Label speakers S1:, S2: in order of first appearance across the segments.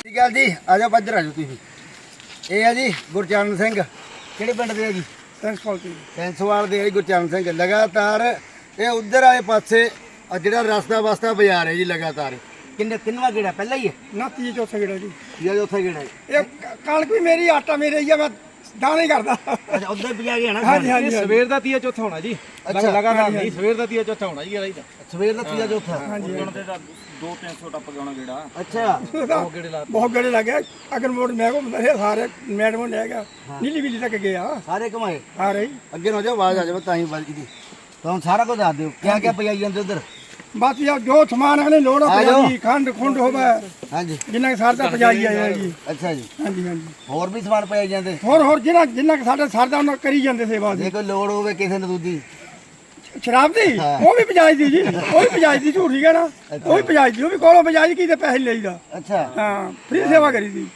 S1: ਸਤਿ ਸ਼੍ਰੀ ਅਕਾਲ ਜੀ। ਆ ਜਾਓ ਇੱਧਰ ਆ ਜਾਓ ਤੁਸੀਂ। ਇਹ ਆ ਜੀ ਗੁਰਚਰਨ ਸਿੰਘ। ਕਿਹੜੇ ਪਿੰਡ ਦੇ ਆ ਜੀ? ਸੈਂਸਵਾਲ ਦੇ ਆ ਜੀ ਗੁਰਚਰਨ ਸਿੰਘ। ਲਗਾਤਾਰ ਇਹ ਉਧਰ ਵਾਲੇ ਪਾਸੇ ਜਿਹੜਾ ਰਸਤਾ ਵਸਤਾ ਬਾਜ਼ਾਰ ਹੈ ਜੀ, ਲਗਾਤਾਰ ਕਿੰਨਵਾਂ ਗੇੜਾ? ਪਹਿਲਾਂ ਹੀ ਹੈ
S2: ਨਾ ਤੀਜਾ ਚੌਥਾ ਗੇੜਾ ਜੀ।
S1: ਜਾਂ ਚੌਥਾ ਗੇੜਾ ਹੈ?
S2: ਇਹ ਕਣਕ ਵੀ ਮੇਰੀ, ਆਟਾ ਮੇਰੇ ਹੀ ਆ, ਮੈਂ ਦਾਣੇ ਕਰਦਾ।
S1: ਅੱਛਾ, ਉਧਰ ਪਿਆ ਗਿਆ ਨਾ।
S2: ਹਾਂਜੀ ਹਾਂਜੀ
S3: ਸਵੇਰ ਦਾ ਤੀਆ ਚੌਥਾ ਹੋਣਾ ਜੀ। ਲਗਾਤਾਰ ਨਹੀਂ, ਸਵੇਰ ਦਾ ਤੀਆ ਚੌਥਾ ਹੋਣਾ ਜੀ। ਇਹਦਾ ਹੀ ਤਾਂ
S1: ਸਵੇਰ ਦਾ ਤੀਜਾ ਚੌਥਾ।
S2: ਹਾਂਜੀ
S3: 200-300 ਟੱਪ ਗਿਆ ਹੋਣਾ ਗੇੜਾ।
S1: ਅੱਛਾ,
S2: ਬਹੁਤ ਗੇੜੇ ਲੱਗੇ। ਅਗਰ ਮੋੜ ਮੈਂ ਘੁੰਮਦਾ ਰਿਹਾ, ਸਾਰੇ ਮੈਡਮ ਲੈ ਗਿਆ, ਨੀਲੀ ਬਿੱਲੀ ਤੱਕ ਗਿਆ
S1: ਸਾਰੇ ਘਮਾਏ।
S2: ਆ ਰਹੀ
S1: ਅੱਗੇ ਨੂੰ ਜਾਓ, ਆਵਾਜ਼ ਆ ਜਾਵੇ ਤਾਂ ਹੀ ਵੱਜਦੀ ਦੀ। ਤੁਹਾਨੂੰ ਸਾਰਾ ਕੁਝ ਦੱਸ ਦਿਓ ਕਿਆ ਕਿਆ ਪਈ ਜਾਂਦੇ ਉਧਰ।
S2: ਬਸ ਯਾਰ ਜੋ ਸਮਾਨ ਅਗਲੇ ਲੋੜ
S1: ਆ ਜਾਓ।
S2: ਪਈ, ਖੰਡ ਖੁੰਡ ਹੋਵੇ,
S1: ਹਾਂਜੀ,
S2: ਜਿੰਨਾ ਸਰਦਾ ਪਜਾਈ ਆਇਆ ਜੀ।
S1: ਅੱਛਾ ਜੀ।
S2: ਹਾਂਜੀ ਹਾਂਜੀ,
S1: ਹੋਰ ਵੀ ਸਮਾਨ ਪਈ ਜਾਂਦੇ?
S2: ਹੋਰ ਜਿੰਨਾ ਸਾਡਾ ਸਰਦਾ ਉਹਨਾਂ ਕਰੀ ਜਾਂਦੇ ਸੇਵਾ
S1: ਜੇ
S2: ਦੀ।
S1: ਕੋਈ ਲੋੜ ਹੋਵੇ ਕਿਸੇ ਨੂੰ ਦੂਜੀ
S2: ਸ਼ਰਾਬ ਦੀ ਉਹ ਵੀ ਪਜਾਈ ਦੀ ਜੀ, ਉਹ ਵੀ ਪਜਾਈ ਦੀ, ਝੂਠੀ ਹੈ ਨਾ, ਉਹ ਵੀ ਪਜਾਈ ਦੀ, ਉਹ ਵੀ ਕੋਲੋਂ ਪਜਾਈ ਕੀ ਤੇ ਪੈਸੇ ਲਈਦਾ।
S1: ਅੱਛਾ,
S2: ਹਾਂ, ਫ੍ਰੀ ਸੇਵਾ ਕਰੀ ਦੀ।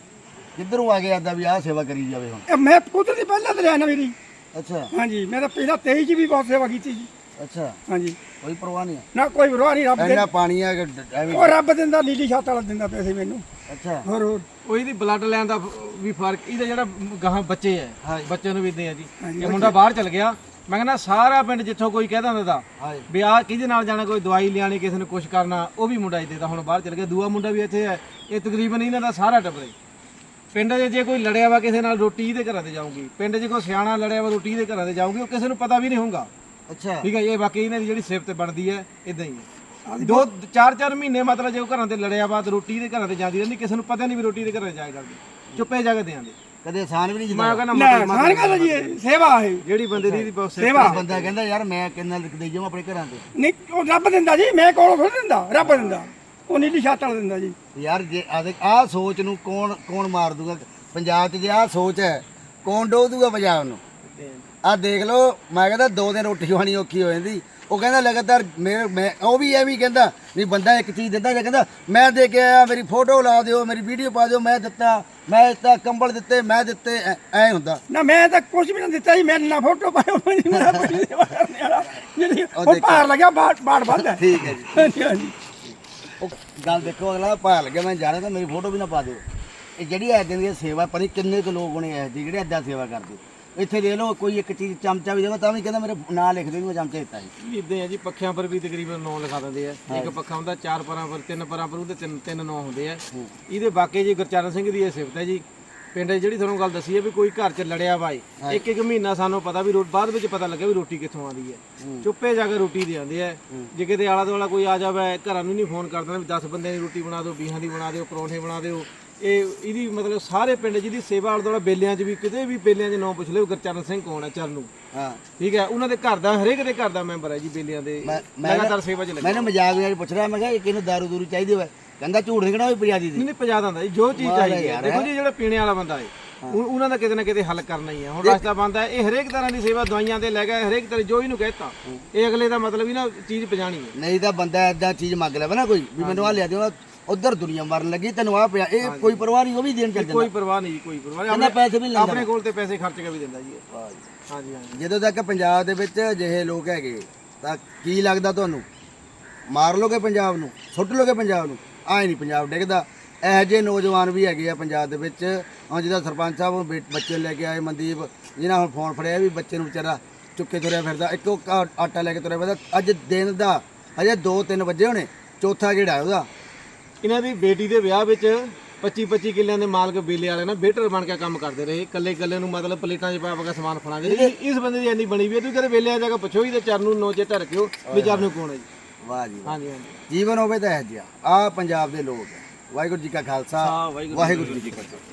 S1: ਕਿੱਧਰੋਂ ਆ ਗਿਆ ਆਦਾ ਵੀ ਆਹ ਸੇਵਾ ਕਰੀ ਜਾਵੇ ਹੁਣ?
S2: ਇਹ ਮੈਂ ਕੁਦਰਤੀ ਪਹਿਲਾਂ ਤੇ ਲਿਆ ਨਾ ਮੇਰੀ।
S1: ਅੱਛਾ
S2: ਹਾਂਜੀ, ਮੈਂ ਤਾਂ ਪਹਿਲਾਂ 23 ਚ ਵੀ ਬਹੁਤ ਸੇਵਾ ਕੀਤੀ ਜੀ।
S1: ਅੱਛਾ,
S2: ਹਾਂਜੀ,
S1: ਕੋਈ ਪਰਵਾਹ ਨਹੀਂ?
S2: ਨਾ ਕੋਈ ਵਿਰੋਧ ਨਹੀਂ, ਰੱਬ ਦੇ
S1: ਇੰਨਾ ਪਾਣੀ ਆ ਕਿ ਐਵੇਂ।
S2: ਉਹ ਰੱਬ ਦਿੰਦਾ, ਨੀਲੀ ਛੱਤ ਵਾਲਾ ਦਿੰਦਾ ਪੈਸੇ ਮੈਨੂੰ।
S1: ਅੱਛਾ,
S2: ਹੋਰ
S3: ਉਹ ਇਹਦੀ ਬਲੱਡ ਲੈਣ ਦਾ ਵੀ ਫਰਕ, ਇਹਦਾ ਜਿਹੜਾ ਗਾਹਾਂ ਬੱਚੇ ਹੈ, ਬੱਚਿਆਂ ਨੂੰ ਵੀ ਇਦਾਂ ਆ ਜੀ। ਇਹ ਮੁੰਡਾ ਬਾਹਰ ਚਲ ਗਿਆ, ਮੈਂ ਕਹਿੰਦਾ ਸਾਰਾ ਪਿੰਡ ਜਿੱਥੋਂ ਕੋਈ ਕਹਿਦਾ ਹੁੰਦਾ
S1: ਹਾਂਜੀ,
S3: ਵੀ ਆਹ ਕਿਹਦੇ ਨਾਲ ਜਾਣਾ, ਕੋਈ ਦਵਾਈ ਲਿਆਣੀ, ਕਿਸੇ ਨੂੰ ਕੁਝ ਕਰਨਾ, ਉਹ ਵੀ ਮੁੰਡਾ ਇੱਥੇ ਦਾ ਹੁਣ ਬਾਹਰ ਚਲ ਗਿਆ। ਦੂਆ ਮੁੰਡਾ ਵੀ ਇੱਥੇ ਹੈ। ਇਹ ਤਕਰੀਬਨ ਇਹਨਾਂ ਦਾ ਸਾਰਾ ਟੱਬਰ ਹੈ। ਪਿੰਡ 'ਚ ਜੇ ਕੋਈ ਲੜਿਆ ਵਾ ਕਿਸੇ ਨਾਲ, ਰੋਟੀ ਇਹਦੇ ਘਰਾਂ ਤੇ ਜਾਊਗੀ। ਪਿੰਡ 'ਚ ਕੋਈ ਸਿਆਣਾ ਲੜਿਆ ਵਾ, ਰੋਟੀ ਇਹਦੇ ਘਰਾਂ ਤੇ ਜਾਊਗੀ। ਉਹ ਕਿਸੇ ਨੂੰ ਪਤਾ ਵੀ ਨਹੀਂ ਹੋਊਗਾ।
S1: ਅੱਛਾ,
S3: ਠੀਕ ਹੈ, ਇਹ ਬਾਕੀ ਇਹਨਾਂ ਦੀ ਜਿਹੜੀ ਸਿਫਤ ਬਣਦੀ ਹੈ ਇਦਾਂ ਹੀ ਹੈ। 2-4 ਮਹੀਨੇ ਮਤਲਬ ਜੇ ਉਹ ਘਰਾਂ ਤੇ ਲੜਿਆ ਵਾ ਤੇ ਰੋਟੀ ਦੇ ਘਰਾਂ ਤੇ ਜਾਂਦੀ ਰਹਿੰਦੀ, ਕਿਸੇ ਨੂੰ ਪਤਾ ਨਹੀਂ ਵੀ ਰੋਟੀ ਦੇ ਘਰਾਂ ਜਾਇਆ ਕਰਦੀ, ਚੁੱਪੇ ਜਾ ਕੇ ਦੇ ਆਂਦੇ।
S1: ਕਦੇ ਆਸਾਨ ਵੀ ਨਹੀਂ
S3: ਮੈਂ
S1: ਜਿੱਦਾਂ
S3: ਕਹਿੰਦਾ
S2: ਸਾਨ ਗੱਲ ਜੀ, ਇਹ ਸੇਵਾ ਹੈ।
S3: ਜਿਹੜੀ ਬੰਦੇ ਦੀ ਬਹੁਤ
S2: ਸੇਵਾ
S1: ਬੰਦਾ ਕਹਿੰਦਾ ਯਾਰ ਮੈਂ ਕਿੰਨਾ ਦੇ ਜਾਵਾਂ ਆਪਣੇ ਘਰਾਂ ਤੇ।
S2: ਨਹੀਂ, ਉਹ ਰੱਬ ਦਿੰਦਾ ਜੀ, ਮੈਂ ਕੋਲੋਂ ਥੋੜ੍ਹਾ ਦਿੰਦਾ, ਰੱਬ ਦਿੰਦਾ। ਉਹ ਨੀਲੀ ਛੱਤ ਵਾਲਾ ਦਿੰਦਾ ਜੀ।
S1: ਯਾਰ ਜੇ ਆਹ ਸੋਚ ਨੂੰ ਕੌਣ ਮਾਰ ਦੂਗਾ ਪੰਜਾਬ 'ਚ? ਜੇ ਆਹ ਸੋਚ ਹੈ, ਕੌਣ ਡੋਹ ਦੂਗਾ ਪੰਜਾਬ ਨੂੰ? ਆਹ ਦੇਖ ਲਓ, ਮੈਂ ਕਹਿੰਦਾ 2 ਦਿਨ ਰੋਟੀ ਖਾਣੀ ਔਖੀ ਹੋ ਜਾਂਦੀ। ਉਹ ਕਹਿੰਦਾ ਲਗਾਤਾਰ ਮੈਂ ਉਹ ਵੀ ਐਵੇਂ ਕਹਿੰਦਾ ਵੀ ਬੰਦਾ ਇੱਕ ਚੀਜ਼ ਦਿੰਦਾ, ਜੇ ਕਹਿੰਦਾ ਮੈਂ ਦੇ ਕੇ ਆਇਆ, ਮੇਰੀ ਫੋਟੋ ਲਾ ਦਿਓ, ਮੇਰੀ ਵੀਡੀਓ ਪਾ ਦਿਓ, ਮੈਂ ਦਿੱਤਾ ਕੰਬਲ ਦਿੱਤੇ, ਮੈਂ ਦਿੱਤੇ, ਐ ਹੁੰਦਾ
S2: ਨਾ ਮੈਂ ਤਾਂ ਕੁਝ ਵੀ ਨਹੀਂ ਦਿੱਤਾ ਜੀ। ਮੈਂ ਨਾ ਫੋਟੋ ਪਾਇਆ, ਮੇਰਾ ਕੋਈ ਸੇਵਾ ਕਰਨੇ ਵਾਲਾ ਜਿਹੜੀ ਉਹ ਭਾਰ ਲੱਗਿਆ, ਬਾੜ ਵੱਧ ਹੈ।
S1: ਠੀਕ ਹੈ ਜੀ।
S2: ਹਾਂਜੀ ਹਾਂਜੀ,
S1: ਉਹ ਗੱਲ ਦੇਖੋ, ਅਗਲਾ ਭਾਰ ਲੱਗਿਆ ਮੈਂ ਜਾਣਾ ਤਾਂ ਮੇਰੀ ਫੋਟੋ ਵੀ ਨਾ ਪਾ ਦਿਓ। ਇਹ ਜਿਹੜੀ ਐਦਾਂ ਦੀ ਸੇਵਾ, ਪਤਾ ਨਹੀਂ ਕਿੰਨੇ ਕੁ ਲੋਕ ਹੋਣੇ ਐ ਜਿਹੜੇ ਐਦਾਂ ਸੇਵਾ ਕਰਦੇ। ਇੱਥੇ ਦੇ ਲਓ, ਕੋਈ ਇੱਕ ਚੀਜ਼ ਚਮਚਾ ਵੀ ਦੇਵਾ ਤਾਂ ਵੀ ਕਹਿੰਦਾ ਮੇਰੇ ਨਾਂ ਲਿਖ ਦਿਓ, ਮੈਂ ਚਮਚਾ ਦਿੱਤਾ ਜੀ।
S3: ਇਦਾਂ ਹੈ ਜੀ। ਪੱਖਿਆਂ ਪਰ ਵੀ ਤਕਰੀਬਨ 9 ਲਿਖਾ ਦਿੰਦੇ ਆ। ਇੱਕ ਪੱਖਾ ਹੁੰਦਾ 4 ਪਰਾਂ ਪਰ, 3 ਪਰਾਂ ਪਰ, ਉਹਦੇ 3 9 ਹੁੰਦੇ ਆ। ਇਹਦੇ ਬਾਕੀ ਜੀ ਗੁਰਚਰਨ ਸਿੰਘ ਦੀ ਇਹ ਸਿਫਤ ਹੈ ਜੀ। ਪਿੰਡ ਜਿਹੜੀ ਤੁਹਾਨੂੰ ਗੱਲ ਦੱਸੀ ਹੈ ਵੀ ਕੋਈ ਘਰ 'ਚ ਲੜਿਆ ਬਾਈ, ਇੱਕ ਮਹੀਨਾ ਸਾਨੂੰ ਪਤਾ ਵੀ ਬਾਅਦ ਵਿੱਚ ਪਤਾ ਲੱਗਿਆ ਵੀ ਰੋਟੀ ਕਿੱਥੋਂ ਆਉਂਦੀ ਹੈ। ਚੁੱਪੇ ਜਾ ਕੇ ਰੋਟੀ ਦੇ ਆਉਂਦੇ ਆ। ਜੇ ਕਿਤੇ ਆਲਾ ਦੁਆਲਾ ਕੋਈ ਆ ਜਾਵੇ, ਘਰਾਂ ਨੂੰ ਨਹੀਂ ਫੋਨ ਕਰ ਦੇਣਾ ਵੀ 10 ਬੰਦਿਆਂ ਦੀ ਰੋਟੀ ਬਣਾ ਦਿਓ, 20 ਦੀ ਬਣਾ ਦਿਓ, ਪਰੌਂਠੇ ਬਣਾ ਦਿਓ। ਇਹਦੀ ਮਤਲਬ ਸਾਰੇ ਪਿੰਡ ਜਿਹਦੀ ਸੇਵਾ ਆਲਾ ਦੁਆਲਾ ਬੇਲਿਆਂ 'ਚ ਵੀ, ਕਿਤੇ ਵੀ ਬੇਲਿਆਂ 'ਚ ਨਾਂ ਪੁੱਛ ਲਿਓ ਗੁਰਚਰਨ ਸਿੰਘ ਕੌਣ ਹੈ, ਚਰਨੂ।
S1: ਹਾਂ,
S3: ਠੀਕ ਹੈ, ਉਹਨਾਂ ਦੇ ਘਰ ਦਾ, ਹਰੇਕ ਦੇ ਘਰ ਦਾ ਮੈਂਬਰ ਹੈ ਜੀ ਬੇਲਿਆਂ ਦੇ। ਲਗਾਤਾਰ ਸੇਵਾ 'ਚ ਲੱਗਿਆ।
S1: ਮੈਨੂੰ ਮਜ਼ਾਕ ਨਾਲ ਪੁੱਛ ਰਿਹਾ, ਮੈਂ ਕਿਹਾ ਇਹ ਕਿਹਨੂੰ ਦਾਰੂ ਦੂਰੂ ਚਾਹੀਦੀ ਹੋਵੇ? ਕਹਿੰਦਾ ਝੂਠ ਨਹੀਂ ਕਹਿਣਾ, ਵੀ ਪੰਜਾਬੀ ਦੀ
S3: ਨਹੀਂ ਪਜਾ ਦਿੰਦਾ ਜੀ, ਜੋ ਚੀਜ਼ ਚਾਹੀਦੀ ਹੈ। ਦੇਖੋ ਜੀ, ਜਿਹੜਾ ਪੀਣੇ ਵਾਲਾ ਬੰਦਾ ਹੈ, ਉਹਨਾਂ ਦਾ ਕਿਤੇ ਨਾ ਕਿਤੇ ਹੱਲ ਕਰਨਾ ਹੀ ਹੈ। ਹੁਣ ਰਸਤਾ ਬੰਦਾ ਹੈ, ਇਹ ਹਰੇਕ ਤਰ੍ਹਾਂ ਦੀ ਸੇਵਾ, ਦਵਾਈਆਂ ਤੇ ਲੈ ਗਿਆ, ਹਰੇਕ ਤਰ੍ਹਾਂ ਜੋ ਇਹਨੂੰ ਕਹਿਤਾ, ਇਹ ਅਗਲੇ ਦਾ ਮਤਲਬ ਹੀ ਨਾ ਚੀਜ਼ ਪਜਾਣੀ ਹੈ।
S1: ਨਹੀਂ ਤਾਂ ਬੰਦਾ ਐਦਾਂ ਚੀਜ਼ ਮੰਗ ਲਵੇ ਨਾ ਕੋਈ, ਵੀ ਮੈਨੂੰ ਆ ਲਿਆ ਦਿਓ, ਉਧਰ ਦੁਨੀਆ ਮਰਨ ਲੱਗੀ, ਤੈਨੂੰ ਆ ਪਿਆ, ਇਹ ਕੋਈ ਪਰਵਾਹ ਨਹੀਂ, ਉਹ ਵੀ ਦੇਣ ਚੱਲ ਜਾਂਦਾ।
S3: ਕੋਈ ਪਰਵਾਹ ਨਹੀਂ ਜੀ, ਕੋਈ ਪਰਵਾਹ ਨਹੀਂ।
S1: ਕਹਿੰਦਾ ਪੈਸੇ ਵੀ ਲੈਂਦਾ,
S3: ਆਪਣੇ ਕੋਲ ਤੇ ਪੈਸੇ ਖਰਚ ਕੇ ਵੀ ਦਿੰਦਾ ਜੀ ਇਹ। ਹਾਂਜੀ ਹਾਂਜੀ।
S1: ਜਦੋਂ ਤੱਕ ਪੰਜਾਬ ਦੇ ਵਿੱਚ ਅਜਿਹੇ ਲੋਕ ਹੈਗੇ ਤਾਂ ਕੀ ਲੱਗਦਾ ਤੁਹਾਨੂੰ? ਮਾਰ ਲੋਗੇ ਪੰਜਾਬ ਨੂੰ, ਸੁੱਟ ਲੋਗੇ ਪੰਜਾਬ ਨੂੰ? ਆਏ ਨਹੀਂ ਪੰਜਾਬ ਡਿੱਗਦਾ। ਇਹੋ ਜਿਹੇ ਨੌਜਵਾਨ ਵੀ ਹੈਗੇ ਆ ਪੰਜਾਬ ਦੇ ਵਿੱਚ। ਹੁਣ ਜਿਹਦਾ ਸਰਪੰਚ ਸਾਹਿਬ ਬੱਚੇ ਲੈ ਕੇ ਆਏ, ਮਨਦੀਪ, ਜਿਹਨਾਂ ਹੁਣ ਫੋਨ ਫੜਿਆ ਵੀ ਬੱਚੇ ਨੂੰ ਵਿਚਾਰਾ ਚੁੱਕੇ ਤੁਰਿਆ ਫਿਰਦਾ, ਇੱਕੋ ਆਟਾ ਲੈ ਕੇ ਤੁਰਿਆ ਫਿਰਦਾ। ਅੱਜ ਦਿਨ ਦਾ ਅਜੇ 2-3 ਵਜੇ ਹੋਣੇ, ਚੌਥਾ ਗੇੜਾ ਉਹਦਾ।
S3: ਇਹਨਾਂ ਦੀ ਬੇਟੀ ਦੇ ਵਿਆਹ ਵਿੱਚ 25-25 ਕਿੱਲਿਆਂ ਦੇ ਮਾਲਕ ਬੇਲੇ ਵਾਲੇ ਨਾ ਵੇਟਰ ਬਣ ਕੇ ਕੰਮ ਕਰਦੇ ਰਹੇ। ਇਕੱਲੇ ਨੂੰ ਮਤਲਬ ਪਲੇਟਾਂ 'ਚ ਪਾ ਕੇ ਸਮਾਨ ਫੜਾਉਂਦੇ। ਇਸ ਬੰਦੇ ਦੀ ਇੰਨੀ ਬਣੀ ਵੀ ਹੈ, ਤੁਸੀਂ ਕਦੇ ਵੇਲੇ ਆ ਜਾ ਕੇ ਪੁੱਛੋ ਹੀ ਤੇ ਚਰਨੂ ਨੋ ਚੇਤਾ ਰੱਖਿਓ ਵੀ ਚਰਨੂ ਕੌਣ ਹੈ ਜੀ।
S1: ਵਾਹ ਜੀ,
S3: ਹਾਂਜੀ ਹਾਂਜੀ।
S1: ਜੀਵਨ ਹੋਵੇ ਤਾਂ ਇਹ ਜਿਹਾ। ਆਹ ਪੰਜਾਬ ਦੇ ਲੋਕ ਹੈ। ਵਾਹਿਗੁਰੂ ਜੀ ਕਾ ਖਾਲਸਾ, ਵਾਹਿਗੁਰੂ ਜੀ ਕੀ ਫਤਿਹ।